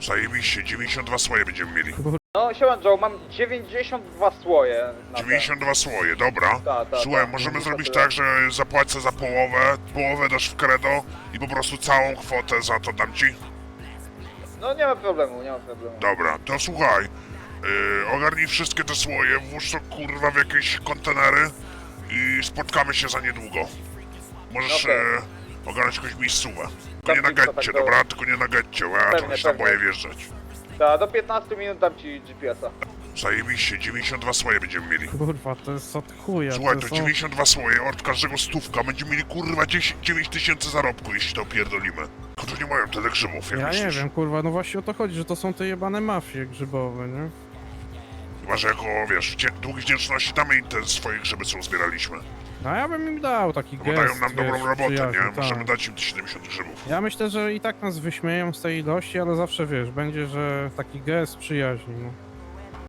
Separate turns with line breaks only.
Zajebiście, 92 słoje będziemy mieli.
No siema Joe, mam 92 słoje na
92 słoje, dobra. Słuchaj,
tak,
możemy
90
zrobić
tyle.
tak, że zapłacę za połowę dasz w credo i po prostu całą kwotę za to dam ci?
No nie ma problemu, nie ma problemu.
Dobra, to słuchaj, ogarnij wszystkie te słoje, włóż to kurwa w jakieś kontenery i spotkamy się za niedługo. Możesz
Okej.
ogarnąć jakąś miejscówę. Tylko nie na
Tam ci to
getcie,
tak
dobra? Tylko nie na getcie, bo ja
Pewnie,
trochę się tam
pewnie.
boję wjeżdżać.
Tak, do 15 minut dam ci GPS-a.
Zajebiście, 92 słoje będziemy mieli.
Kurwa, to jest od chuja.
Słuchaj,
to
to
są...
92 słoje, od każdego stówka, będziemy mieli kurwa 9 tysięcy zarobku, jeśli to opierdolimy. Tylko to nie mają tyle grzybów, jak
Ja nie
myślisz?
wiem, kurwa, no właśnie o to chodzi, że to są te jebane mafie grzybowe, nie?
Chyba, że jako, wiesz, dług wdzięczności damy im te swoje grzyby, co uzbieraliśmy.
No ja bym im dał taki
Bo
gest,
dają nam dobrą
wiesz,
robotę,
przyjaźni,
nie? Możemy
tak.
dać im te 70 grzybów.
Ja myślę, że i tak nas wyśmieją z tej ilości, ale zawsze, wiesz, będzie, że taki gest przyjaźni, no.